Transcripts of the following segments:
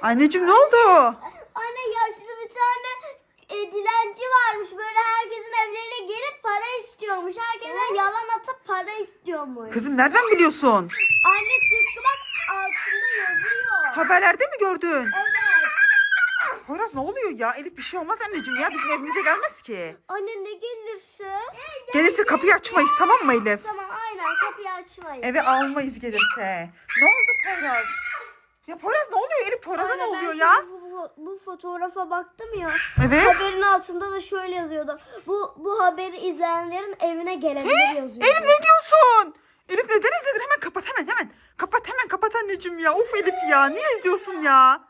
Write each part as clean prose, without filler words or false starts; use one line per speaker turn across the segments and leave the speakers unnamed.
Anneciğim ne oldu?
Anne yaşlı bir tane dilenci varmış. Böyle herkesin evlerine gelip para istiyormuş. Herkese yalan atıp para istiyormuş.
Kızım nereden biliyorsun?
Anne tıpkı bak altında yazıyor.
Haberlerde mi gördün?
Evet.
Poyraz ne oluyor ya? Elif bir şey olmaz anneciğim ya. Bizim evimize gelmez ki.
Anne ne gelirse?
Gelirse kapıyı açmayız, tamam mı Elif?
Tamam aynen kapıyı açmayın.
Eve almayız gelirse. Ne oldu Poyraz? Ya Poyraz ne oluyor Elif? Poyraz'a ne
Anne,
oluyor
ben
ya?
şimdi bu fotoğrafa baktım ya.
Evet.
Haberin altında da şöyle yazıyordu. Bu haberi izleyenlerin evine gelebilir yazıyordu.
Elif ne diyorsun? Elif neden izledin? Hemen kapat hemen. Kapat anneciğim ya. Of Elif ya. Niye izliyorsun ya?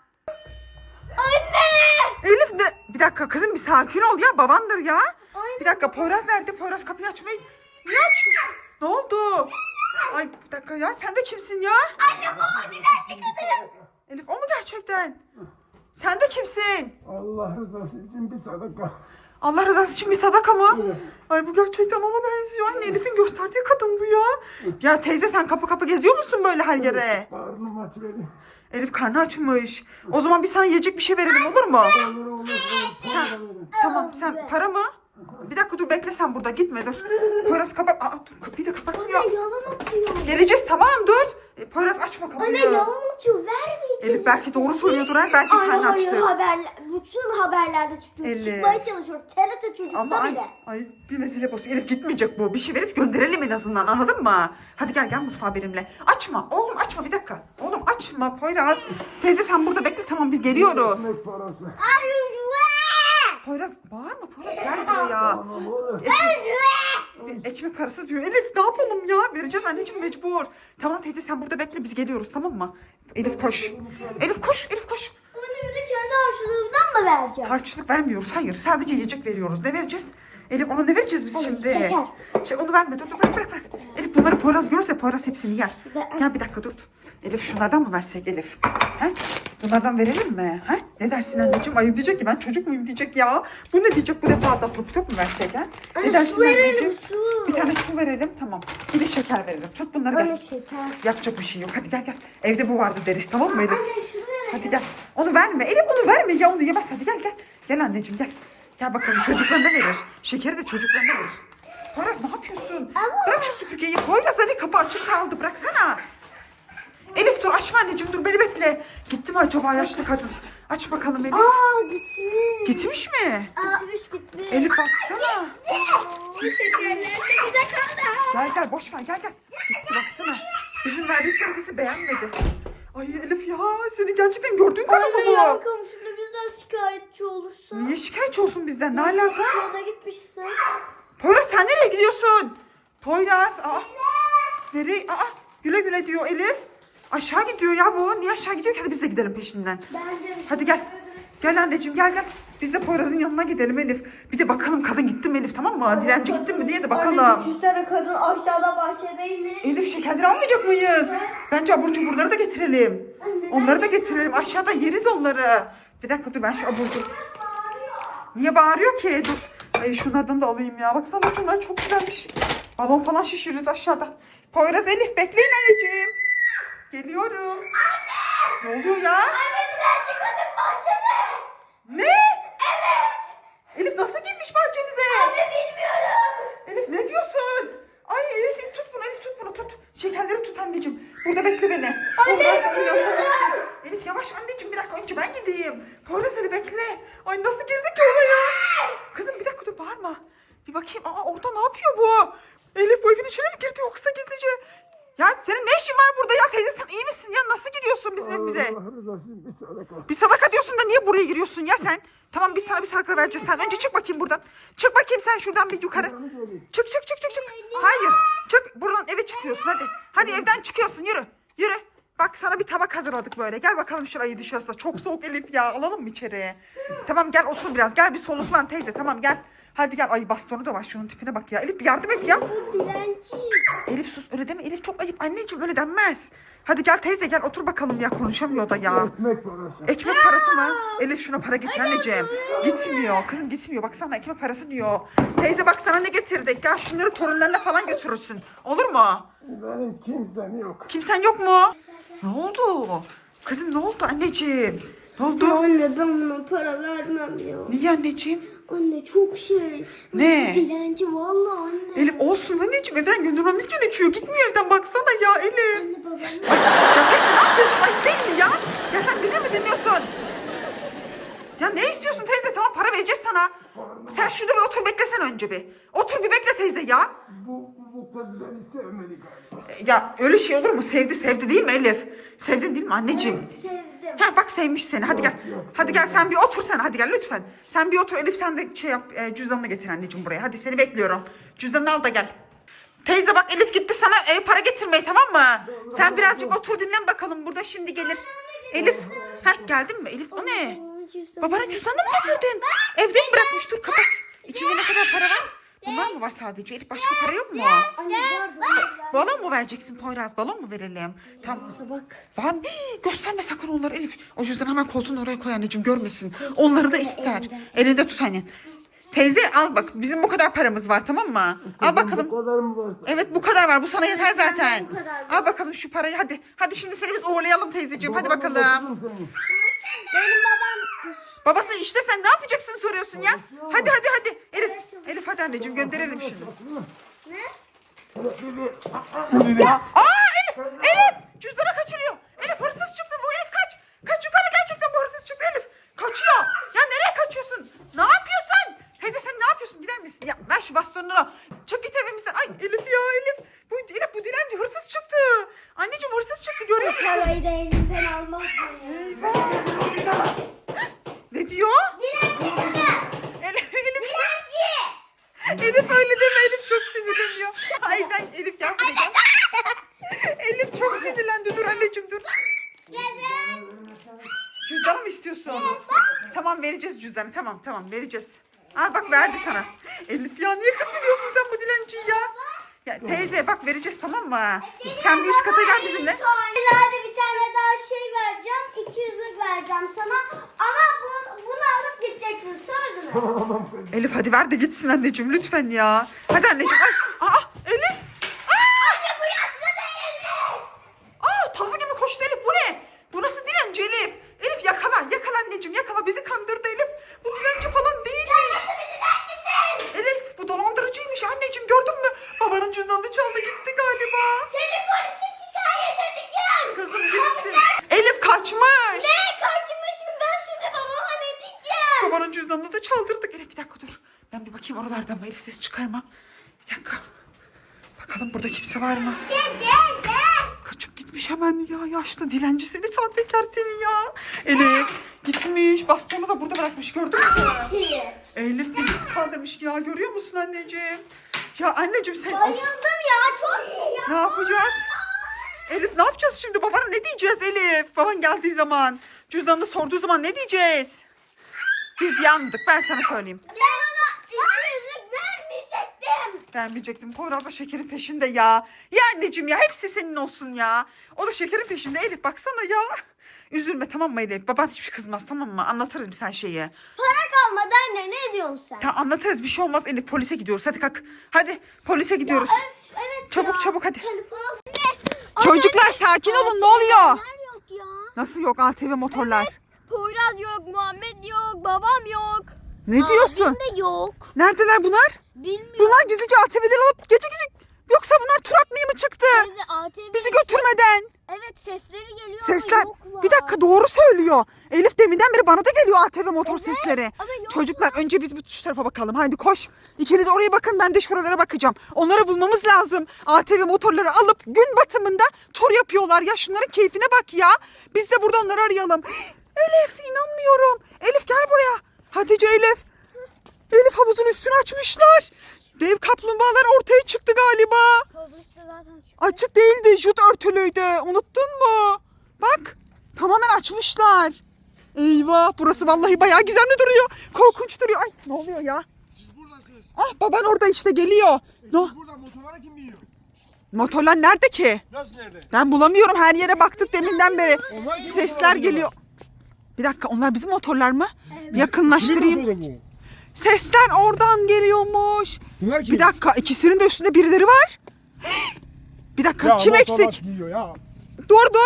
Anne!
Elif ne? Bir dakika kızım bir sakin ol ya. Babandır ya.
Aynen.
Bir dakika Poyraz nerede? Poyraz kapıyı açmayı. Niye açıyorsun? Ne oldu? Ay bir dakika ya. Sen de kimsin ya?
Anne bu dilenci kadın.
Elif o mu gerçekten? Sen de kimsin?
Allah rızası için bir sadaka.
Allah rızası için bir sadaka mı?
Evet.
Ay bu gerçekten ona benziyor. Anne Elif'in gösterdiği kadın bu ya. Ya teyze sen kapı geziyor musun böyle her yere?
Karnım aç benim.
Elif karnı açmış. O zaman bir sana yiyecek bir şey verelim olur mu?
Olur.
Sen, tamam sen para mı? Bir dakika dur bekle sen burada gitme dur. Poyraz kapat. Aa, dur kapıyı da kapatmıyor.
Anne yalan atıyor.
Geleceğiz tamam dur. Poyraz açma kapıyı.
Anne yalan atıyor. Vermeyeceğiz.
Elif belki doğru söylüyordur ha. Belki
Anne
karnı
hayır
açtı.
bütün haberlerde çıkıyor.
Elif.
Çıkmaya çalışıyor. TRT çocukta
Ama
bile.
ay yine zile basıyor. Elif gitmeyecek bu. Bir şey verip gönderelim en azından anladın mı? Hadi gel mutfağa benimle. Açma oğlum açma bir dakika. Oğlum açma Poyraz. Teyze sen burada bekle tamam biz geliyoruz.
Ekmek parası.
Poyraz bağırma Poyraz gel buraya.
Tamam olur.
Ekmek parası diyor. Elif ne yapalım ya? Vereceğiz anneciğim mecbur. Tamam teyze sen burada bekle biz geliyoruz tamam mı? Elif koş. Elif koş.
Anne bir de kendi harçlığımdan mı vereceğim?
Harçlık vermiyoruz. Hayır sadece yiyecek veriyoruz. Ne vereceğiz? Elif ona ne vereceğiz biz şimdi?
şeker.
Onu verme dur bırak. Elif bunları Poyraz görürse Poyraz hepsini yer. Gel bir dakika dur. Elif şunlardan mı versek Elif? He? Bunlardan verelim mi? He? Ne dersin anneciğim? Ay diyecek ki ben çocuk muyum diyecek ya. Bu ne diyecek bu defa da top mu versek ha? Ne
Anne,
dersin
su verelim,
anneciğim?
su.
Bir tane su verelim tamam. Bir de şeker verelim. Tut bunları
Anne
gel.
şeker.
Yapacak bir şey yok. Hadi gel. Evde bu vardı deriz tamam mı Elif?
Anne şunu verelim.
Hadi gel. Onu verme. Elif onu verme ya onu yemez. Hadi gel. Gel anneciğim gel. Gel bakalım çocuklarına verir. Şekeri de çocuklarına verir. Poyraz ne yapıyorsun? Bırak şu süpürgeyi. Poyraz hadi kapı açık kaldı. Bıraksana. Elif dur açma anneciğim dur beni bekle. Gitti mi acaba yaşlı kadın? Aç bakalım Elif.
Gitmiş.
Gitmiş mi?
Gitmiş.
Elif baksana.
Şekerler de bize kaldı.
Gel boş ver gel. Gitti baksana. Bizim verdiklerimizi beğenmedi. Ay Elif ya seni gerçekten gördüğün kadar mı
Anne yan
bu?
komşumda bizden şikayetçi olursa.
Niye şikayetçi olsun bizden? Ne alaka?
Sonra gitmişsin.
Poyraz sen nereye gidiyorsun? Poyraz. Nereye? Güle diyor Elif. Aşağı gidiyor ya bu. Niye aşağı gidiyor ki? Hadi biz de gidelim peşinden.
Bence
Hadi gel. Gel anneciğim gel. Biz de Poyraz'ın yanına gidelim Elif. Bir de bakalım kadın gitti mi Elif tamam mı? Dilenci gitti mi diye de bakalım.
Anne bir tane kadın aşağıda bahçedeymiş.
Elif şekerleri almayacak mıyız? Bence abur cuburları da getirelim. Onları da getirelim. Aşağıda yeriz onları. Bir dakika dur ben şu abur cubur. Niye bağırıyor ki? Dur. Ay şunlardan da alayım ya. Baksana şunlar çok güzelmiş. Balon falan şişiririz aşağıda. Poyraz Elif bekleyin anneciğim. Geliyorum. Anne! Ne oluyor ya?
Anne dilenci kadın bahçede.
Ne? Evet. Elif nasıl girmiş bahçemize?
Anne bilmiyorum.
Elif ne diyorsun? Ay Elif tut bunu tut. Şekerleri tut anneciğim. Burada bekle beni. Poyraz senin yanına gideceğim. Elif yavaş anneciğim bir dakika önce ben gideyim. Poyraz seni bekle. Ay nasıl girdik ki oraya? Kızım bir dakika dur bağırma. Bir bakayım. Orada ne yapıyor bu? Elif bu evin içine mi girdi yoksa gizlice? Ya senin ne işin var burada ya teyze sen iyi misin ya? Nasıl giriyorsun bizim evimize?
Allah rızası için bir sadaka.
Bir sadaka diyorsun da niye buraya giriyorsun ya sen? Tamam biz sana bir sadaka vereceğiz. Sen önce çık bakayım buradan. Çık bakayım sen şuradan bir yukarı. Çık. Hayır. Çık buradan eve çıkıyorsun hadi. Hadi evden çıkıyorsun yürü. Bak sana bir tabak hazırladık böyle. Gel bakalım şurayı dışarısı. Çok soğuk Elif ya. Alalım mı içeriye? Tamam gel otur biraz. Gel bir soluklan teyze. Tamam gel. Hadi gel. Ay bastonu da var. Şunun tipine bak ya. Elif bir yardım et ya.
Bu dilenci.
Elif sus öyle deme. Elif çok ayıp. Anneciğim öyle denmez. Hadi gel teyze gel otur bakalım ya. Konuşamıyor da ya.
Ekmek parası.
Ekmek parası mı? Elif şuna para getir anneciğim. Gitmiyor. Kızım gitmiyor. Baksana ekmek parası diyor. Teyze bak sana ne getirdik. Gel şunları torunlarına falan götürürsün. Olur mu?
Benim kimsem yok.
Kimsen yok mu? Ne oldu? Kızım ne oldu anneciğim? Ne oldu?
Anne ben buna para vermem ya.
Niye anneciğim?
Anne çok şey.
Ne?
Dilenci vallahi anne.
Elif olsun anneciğim, evden göndermemiz gerekiyor. Gitmiyor evden, baksana ya Elif.
Anne babam.
Ay, ya teyze ne yapıyorsun? Ay değil mi ya? Ya sen bizi mi dinliyorsun? Ya ne istiyorsun teyze? Tamam para vereceğiz sana. Sen şurada bir otur, beklesen önce bir. Otur bir bekle teyze ya.
Bu kız beni sevmedi galiba.
Ya öyle şey olur mu? Sevdi değil mi Elif? Sevdin değil mi anneciğim?
Sevdim.
Ha bak sevmiş seni. Hadi gel. Hadi gel sen bir otur sen. Hadi gel lütfen. Sen bir otur Elif, sen de şey yap, cüzdanını getir anneciğim buraya. Hadi seni bekliyorum. Cüzdanını al da gel. Teyze bak Elif gitti sana para getirmeye, tamam mı? Sen birazcık otur dinlen bakalım. Burada şimdi gelir. Elif. Heh geldin mi? Elif o ne? Babanın cüzdanını mı getirdin? Evde mi bırakmış? Dur kapat. İçinde ne kadar para var? Bunlar mı var sadece? Elif başka para yok mu?
Anne vardı.
Balon mu vereceksin Poyraz? Balon mu verelim? Tamam.
Bak.
Var mı? Gösterme sakın onları Elif. O yüzden hemen koltuğun oraya koy anneciğim, görmesin. Onları da ister. Elinde tut anne. Teyze al bak, bizim bu kadar paramız var, tamam mı? Al bakalım.
Bu kadar mı varsa?
Evet bu kadar var, bu sana yeter zaten.
Bu kadar.
Al bakalım şu parayı, hadi. Hadi şimdi seni biz uğurlayalım teyzeciğim, hadi
Babamla
bakalım.
götürürüm seni.
Benim babam.
Babası işte, sen ne yapacaksın soruyorsun ya? Hadi. Elif hadi anneciğim, gönderelim şimdi.
Ne?
Elif cüzdanı kaçırıyor. Elif hırsız çıktı bu, Elif kaç. Kaç yukarı, gerçekten bu hırsız çıktı Elif. Kaçıyor. Ya nereye kaçıyorsun? Ne yapıyorsun? Teyze sen ne yapıyorsun, gider misin? Ya ver şu bastonunu. Çık git evimizden. Ay Elif ya Elif. Bu dilenci hırsız çıktı. Anneciğim hırsız çıktı, görüyor musun?
Parayı da elimden almaz.
Eyvah. Ne diyor? Elif. Elif öyle deme, Elif çok sinirleniyor. Ay ben Elif gel buraya gel. Elif çok sinirlendi, dur anneciğim dur. Cüzdanı mı istiyorsun? Tamam vereceğiz cüzdanı, tamam vereceğiz. Aa bak verdi sana. Elif ya niye kızdırıyorsun sen bu dilenciyi ya? Ya teyze bak vereceğiz, tamam mı? Sen bir üst kata gel bizimle.
Ileride bir tane daha şey vereceğim. 200'lük vereceğim sana. Ama bunu alıp gideceksin. Söz mü?
Elif hadi ver de gitsin anneciğim lütfen ya. Hadi anneciğim. Ay, Elif.
Anne bu yaşlı değilmiş.
Tazı gibi koştu Elif, bu ne? Bu nasıl dilenci Elif? Elif yakala anneciğim, yakala, bizi kandırdı Elif. Bu dilenci falan değilmiş.
Nasıl bir dilencisin?
Elif bu dolandırıcıymış anneciğim, gördün mü? Babanın cüzdanını çaldı gitti galiba.
Seni polise şikayet edeceğim.
Kızım gitti. Elif kaçmış.
Ne kaçmışım ben şimdi babama ne diyeceğim?
Babanın cüzdanını da çaldırdık. Elif bir dakika dur. Ben bir bakayım oralarda mı? Elif ses çıkarma. Bir dakika. Bakalım burada kimse var mı?
Gel.
Kaçıp gitmiş hemen ya. Yaşlı dilenci seni, sahtekar seni ya. Elif gitmiş. Bastonu da burada bırakmış, gördün mü? Elif bizi kandırmış ya, görüyor musun anneciğim? Ya anneciğim sen...
Bayıldım ya çok iyi ya.
Ne yapacağız? Elif ne yapacağız şimdi? Babana ne diyeceğiz Elif? Baban geldiği zaman, cüzdanını sorduğu zaman ne diyeceğiz? Biz yandık, ben sana söyleyeyim.
Ben ona 200'lük vermeyecektim.
Vermeyecektim. Poyraz da şekerin peşinde ya. Ya anneciğim ya, hepsi senin olsun ya. O da şekerin peşinde Elif, baksana ya. Üzülme tamam mı Elif? Baban hiç kızmaz, tamam mı? Anlatırız bir sen şeyi.
Para kalmadı anne ne diyorsun sen?
Tamam anlatırız, bir şey olmaz Elif. Polise gidiyoruz, hadi kalk. Hadi polise gidiyoruz.
Öf, evet
Çabuk,
ya.
çabuk, hadi.
Telefon.
Çocuklar sakin olun, ne oluyor?
Neler yok ya?
Nasıl yok ATV motorlar?
Poyraz yok, Muhammed yok, babam yok.
Ne diyorsun?
Abim de yok.
Neredeler bunlar?
Bilmiyorum.
Bunlar gizlice ATV'leri alıp gece yoksa bunlar tur atmaya mı çıktı?
Teyze, ATV.
Bizi götürmeden.
Evet sesleri geliyor
Sesler.
ama yoklar.
Bir dakika, doğru söylüyor. Elif deminden beri bana da geliyor ATV motor sesleri.
ama yok.
Çocuklar önce biz bir şu tarafa bakalım. Haydi koş. İkiniz oraya bakın, ben de şuralara bakacağım. Onları bulmamız lazım. ATV motorları alıp gün batımında tur yapıyorlar. Ya şunların keyfine bak ya. Biz de burada onları arayalım. Elif inanmıyorum. Elif gel buraya. Hatice Elif. Elif havuzun üstünü açmışlar. Dev kaplumbağalar ortaya çıktı galiba.
Polis de zaten çıktı.
Açık değildi, jut örtülüydü. Unuttun mu? Bak, tamamen açmışlar. Eyvah, burası vallahi bayağı gizemli duruyor. Korkunç duruyor. Ay, ne oluyor ya?
Siz buradasınız.
Baban orada işte geliyor. No,
Siz burada motorlara kim biniyor?
motorlar nerede ki?
Nasıl nerede?
Ben bulamıyorum, her yere baktık deminden beri.
Onlar gibi
Sesler
motorlar
geliyor. Bir dakika, onlar bizim motorlar mı?
Kimin
Yakınlaştırayım.
motoru bu?
Sesler oradan geliyormuş.
Bunlar kim?
Bir dakika, ikisinin de üstünde birileri var. Bir dakika,
Ya
kim
motorlar
eksik?
giyiyor ya.
Dur.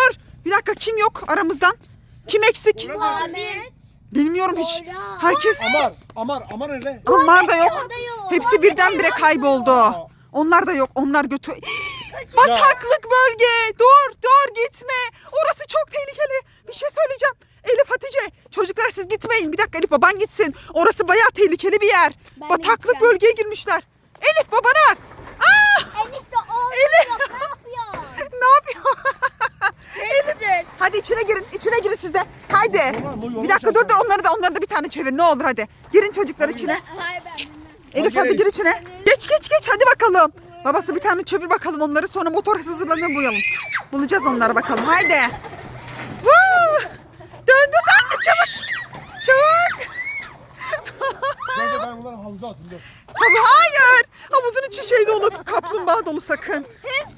Bir dakika, kim yok aramızdan? Kim eksik?
Ahmet.
Bilmiyorum hiç. Herkes...
Amar nerede?
Onlar da yok.
O da yok.
Hepsi birdenbire kayboldu. Onlar da yok. Onlar götü... Bataklık bölge. Dur gitme. Orası çok tehlikeli. Bir şey söyleyeceğim. Elif, Hatice. Çocuklar siz gitmeyin. Bir dakika, Elif baban gitsin. Orası bayağı tehlikeli bir yer.
Ben de
Bataklık
gideceğim.
bölgeye girmişler. Elif babana. Aa!
Elif de olmuyor. Ne yapıyor?
Ne yapıyor?
Elif.
Hadi içine girin siz de. Haydi.
Yollar,
Bir dakika, dur onları da bir tane çevir ne olur hadi. Girin çocuklar içine.
Hayır ben bilmem.
Elif hadi gir içine. Geç hadi bakalım. Babası bir tane çevir bakalım onları, sonra motor hızlanır buyalım. Bulacağız onları bakalım, haydi. Woo! Döndü çabuk.
Bence ben bunları havuza atayım. dur.
Hayır. Havuzun içi şey dolu, kaplumbağa dolu sakın.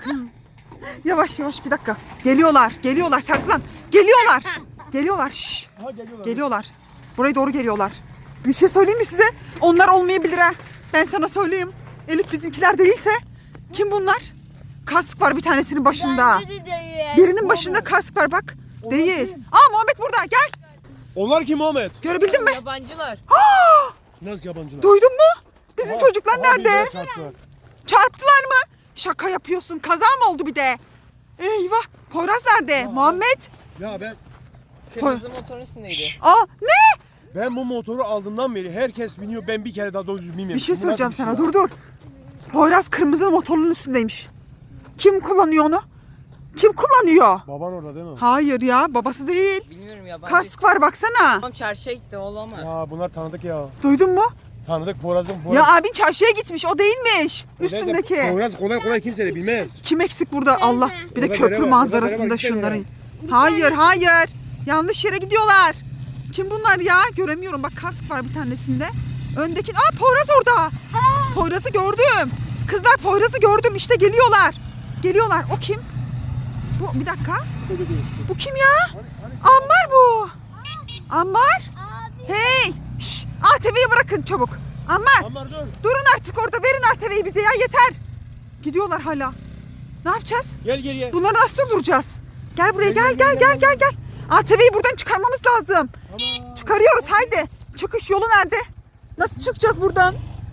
Yavaş bir dakika. Geliyorlar saklan. Geliyorlar. Şşş.
Aha geliyorlar.
Geliyorlar. Buraya doğru geliyorlar. Bir şey söyleyeyim mi size? Onlar olmayabilir ha. Ben sana söyleyeyim. Elif bizimkiler değilse kim bunlar? Kask var bir tanesinin başında.
Bence de değil.
Birinin başında kask var bak. Değil. Aa, Muhammed burada, gel.
Onlar kim Ahmet?
Görebildin mi?
Yabancılar.
Nasıl yabancılar?
Duydun mu? Bizim çocuklar nerede?
birbirine çarptılar.
Çarptılar mı? Şaka yapıyorsun. Kaza mı oldu bir de? Eyvah. Poyraz nerede? Muhammed.
Ya ben
Kırmızı motorun üstündeydi.
Aa, ne?
bu motoru aldığımdan beri herkes biniyor. Ben bir kere daha doğru düzgün bilmiyorum.
Bir şey
Bu
söyleyeceğim
nasıl bir
sana.
şey ya?
Dur. Poyraz kırmızı motorun üstündeymiş. Kim kullanıyor onu? Kim kullanıyor?
Baban orada değil mi?
Hayır ya, babası değil.
Bilmiyorum yabancı.
Kask var baksana.
Tamam çarşıya gitti olamaz.
Ya bunlar tanıdık ya.
Duydun mu?
Tanıdık Poyraz'ın.
Ya abin çarşıya gitmiş, o değilmiş. Üstündeki.
Poyraz kolay kimse de bilmez.
Kim eksik burada? Allah. Bir de
Burada
köprü
bere var,
manzarasında
burada bere var,
şunların.
iki
Hayır. Yanlış yere gidiyorlar. Kim bunlar ya? Göremiyorum. Bak kask var bir tanesinde. Öndeki... Aa, Poyraz orada. Poyraz'ı gördüm. Kızlar, Poyraz'ı gördüm. İşte geliyorlar. O kim? Bu, bir dakika. Bu kim ya? Ammar bu. Ammar.
Abi.
Hey. Şş, ATV'yi bırakın çabuk. Ammar.
Amar dur.
Durun artık orada. Verin ATV'yi bize ya, yeter. Gidiyorlar hala. Ne yapacağız?
Gel geriye.
Bunları nasıl duracağız? Gel buraya, gel.
Gel.
ATV'yi buradan çıkarmamız lazım. Çıkarıyoruz, haydi. Çıkış yolu nerede? Nasıl çıkacağız buradan?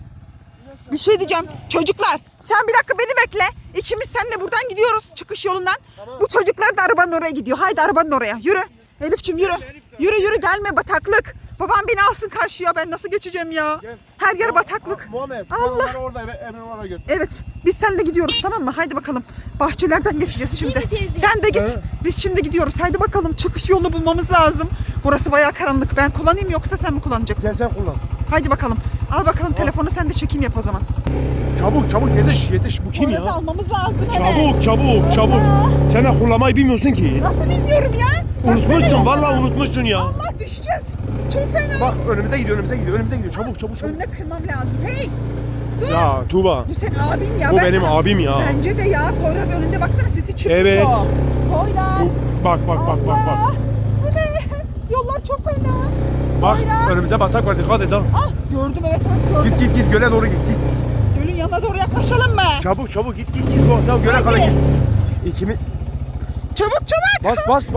Bir şey diyeceğim. Çocuklar, sen bir dakika beni bekle. İkimiz seninle buradan gidiyoruz çıkış yolundan. Bu çocuklar da arabanın oraya gidiyor. Haydi arabanın oraya. Yürü. Elif'ciğim yürü. Yürü gelme, bataklık. Babam beni alsın karşıya. Ben nasıl geçeceğim ya?
Gel.
Her yer bataklık.
Muhammed.
Allah.
Onları orada Emre oraya götür.
Evet, biz seninle gidiyoruz, tamam mı? Haydi bakalım. Bahçelerden geçeceğiz şimdi.
mi teyze?
Sen de git.
Evet.
Biz şimdi gidiyoruz. Haydi bakalım, çıkış yolunu bulmamız lazım. Burası bayağı karanlık. Ben kullanayım yoksa sen mi kullanacaksın?
Gel sen kullan.
Haydi bakalım. Al bakalım telefonu, sen de çekim yap o zaman.
Çabuk yetiş. Bu kim
Poyraz'ı
ya?
almamız lazım hemen.
Çabuk. Sen de kullanmayı bilmiyorsun ki.
Nasıl bilmiyorum ya?
Unutmuşsun
Baksana.
vallahi unutmuşsun ya.
Allah, düşeceğiz. Çok fena.
Bak önümüze gidiyor. Çabuk.
Önüne kırmam lazım. Hey,
Ya Tuğba.
bu senin abin ya.
Bu
Ben
benim
sana-
abim ya.
Bence de ya. Poyraz önünde, baksana sesi çıkıyor.
Evet.
Poyraz.
Bak.
Allah. Bu ne? Yollar çok fena.
Bak
Poyraz.
önümüze batak var, dikkat et ha.
Ah, gördüm, evet gördüm.
Git göle doğru git.
Gölün yanına doğru yaklaşalım mı?
Çabuk git. Tamam göle
Hadi.
kadar git. İkimi
Çabuk.
bas.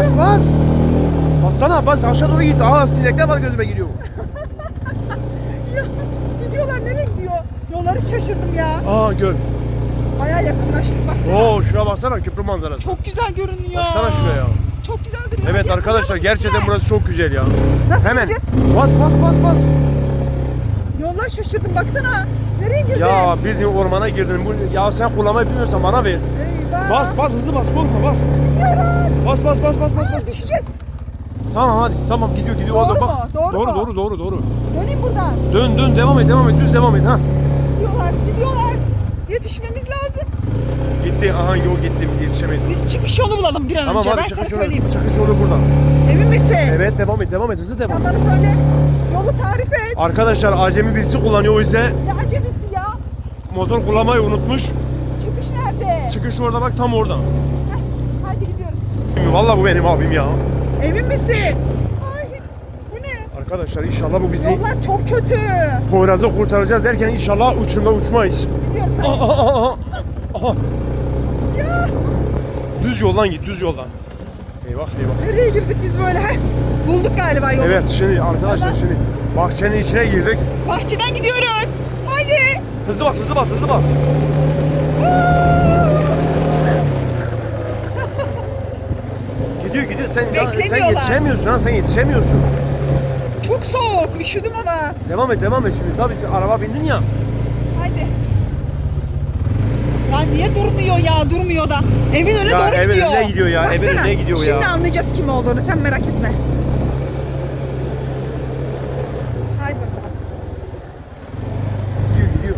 Bassana aşağı doğru git. Aha sinekler var gözüme giriyor.
Ya, gidiyorlar, nereye gidiyor? Yolları şaşırdım ya.
Aa göl.
Bayağı yakınlaştık, baksana.
Oo şuraya baksana, köprü manzarası.
Çok güzel görünüyor.
Baksana şuraya.
Çok güzel duruyor.
Evet
Hadi
arkadaşlar,
yakalayalım
gerçekten
bizi.
burası çok güzel ya.
Nasıl
Hemen.
gideceğiz?
Bas.
Yollar şaşırdım, baksana. Nereye girdin?
Ya bildiğin ormana girdin. Ya sen kullanmayı bilmiyorsan bana ver.
Eyvah.
Bas hızlı bas, korkma bas.
Gidiyoruz.
Bas.
Aa, düşeceğiz.
Tamam hadi, tamam gidiyor.
Doğru
Orada
mu?
bak.
Doğru mu?
Doğru.
Döneyim buradan.
Dön, devam et, düz devam et ha.
Gidiyorlar. Yetişmemiz lazım.
Gitti, aha yol gitti, biz yetişemedik.
Biz çıkış yolu bulalım bir an
Tamam
önce.
hadi
Ben sana
çıkış
söyleyeyim.
yolu buradan.
Emin misin?
Evet devam et, hızlı devam
Sen
et.
bana söyle. Yolu tarif et.
Arkadaşlar acemi birisi kullanıyor, o yüzden
Ne acelesi ya?
motor kullanmayı unutmuş.
Çıkış nerede?
Çıkış orada bak, tam orada.
Heh, hadi gidiyoruz.
Vallahi bu benim abim ya.
Emin misin? Ay, bu ne?
Arkadaşlar inşallah bu bizi
Yollar çok kötü.
Poyraz'ı kurtaracağız derken inşallah uçunda uçmayız.
Gidiyoruz. hadi.
Aha.
Ya.
Düz yoldan git, düz yoldan. Eyvah eyvah.
Nereye girdik biz böyle? Heh. Bulduk galiba yolu.
Evet şimdi arkadaşlar
Tamam.
şimdi bahçenin içine girdik.
Bahçeden gidiyoruz. Haydi.
Hızlı bas hızlı bas hızlı bas. Gidiyor sen
Beklemiyorlar.
yetişemiyorsun ha sen yetişemiyorsun.
Çok soğuk. Üşüdüm ama.
Devam et şimdi tabii sen araba bindin ya.
Haydi. Ya niye durmuyor ya? Durmuyor da. Evin önüne
Ya
doğru
evin
gidiyor.
önüne gidiyor ya, evin
Baksana,
önüne gidiyor ya.
Şimdi anlayacağız kim olduğunu. Sen merak etme. Haydi bakalım.
Gidiyor.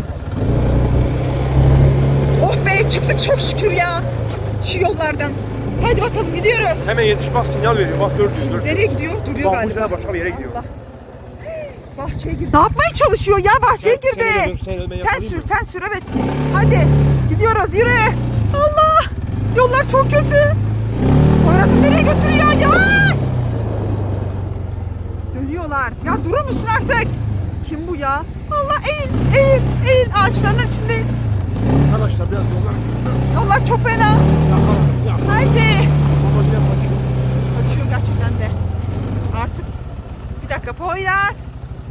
Oh be çıktık çok şükür ya. Şu yollardan. Hadi bakalım gidiyoruz.
Hemen yetiş bak sinyal veriyor bak 400.
Nereye gidiyor? Duruyor
Bak bu
galiba.
sene başka bir yere gidiyor.
Allah. Bahçeye girdi. Ne yapmaya çalışıyor ya? Bahçeye girdi. Sen sür, sen sür evet. Hadi gidiyoruz yürü. Allah. Yollar çok kötü. Orası nereye götürüyor? Yavaş. Dönüyorlar. Ya durur musun artık? Kim bu ya? Allah eğil. Ağaçların içindeyiz.
Arkadaşlar biraz yollar
Yollar çok fena. Haydi. Kaçıyor gerçekten de. Artık bir dakika Poyraz.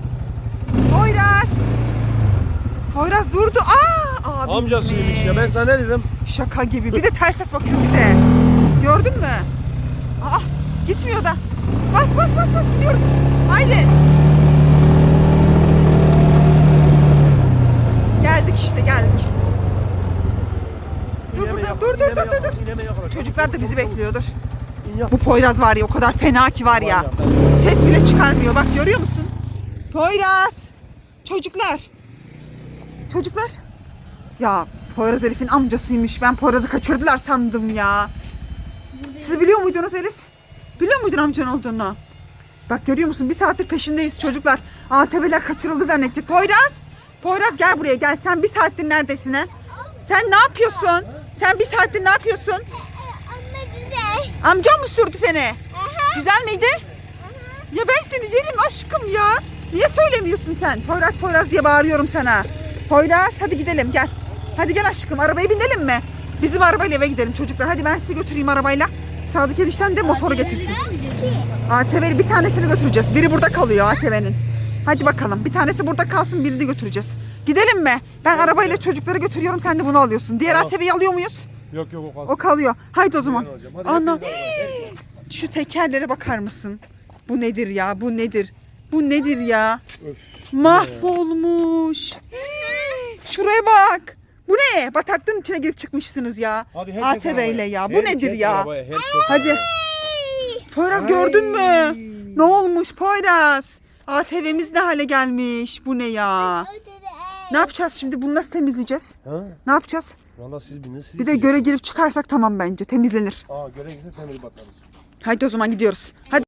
Poyraz durdu. Abi.
Amcasıymış ya ben sana ne dedim?
Şaka gibi. Bir de ters ses bakıyor bize. Gördün mü? Gitmiyor da. Bas gidiyoruz. Haydi. Geldik işte geldik. Dur burada. Dur. Çocuklar da bizi bekliyordur. Bu Poyraz var ya o kadar fena ki var ya. Ses bile çıkarmıyor. Bak görüyor musun? Poyraz. Çocuklar. Ya Poyraz Elif'in amcasıymış. Ben Poyraz'ı kaçırdılar sandım ya. Siz biliyor muydunuz Elif? Biliyor muydun amcan olduğunu? Bak görüyor musun? Bir saattir peşindeyiz çocuklar. ATV'ler kaçırıldı zannettik. Poyraz gel buraya gel. Sen bir saattir neredesin ha? Sen ne yapıyorsun? Sen bir saattir ne yapıyorsun?
Anne güzel.
Amcan mı sürdü seni? Güzel miydi? Ya ben seni yerim aşkım ya. Niye söylemiyorsun sen? Poyraz diye bağırıyorum sana. Poyraz hadi gidelim gel. Hadi gel aşkım arabaya binelim mi? Bizim arabayla eve gidelim çocuklar. Hadi ben sizi götüreyim arabayla. Sadık enişten de motoru getirsin. ATV'li bir tanesini götüreceğiz. Biri burada kalıyor ATV'nin. Hadi bakalım bir tanesi burada kalsın birini de götüreceğiz. Gidelim mi? Ben arabayla çocukları götürüyorum sen de bunu alıyorsun. Diğer ATV'yi alıyor muyuz?
Yok o kalsın.
O kalıyor. Haydi o zaman.
Ben alacağım. Hadi
Ana.
hepiniz
Şu tekerlere bakar mısın? Bu nedir ya? Bu nedir ya?
Öf.
Mahvolmuş. Şuraya bak. Bu ne? Bataklığın içine girip çıkmışsınız ya.
Hadi herkes
ATV ile
arabaya.
ya. Bu
Herkes
nedir ya?
arabaya, herkes
Hadi.
arabaya.
Poyraz gördün mü? Ne olmuş Poyraz? ATV'miz ne hale gelmiş? Bu ne ya? Ne yapacağız şimdi? Bunu nasıl temizleyeceğiz?
Ha?
Ne yapacağız?
Valla siz binin siz.
Bir de göre girip çıkarsak tamam bence. Temizlenir.
Göre gitse temel batarız.
Haydi o zaman gidiyoruz. Hadi.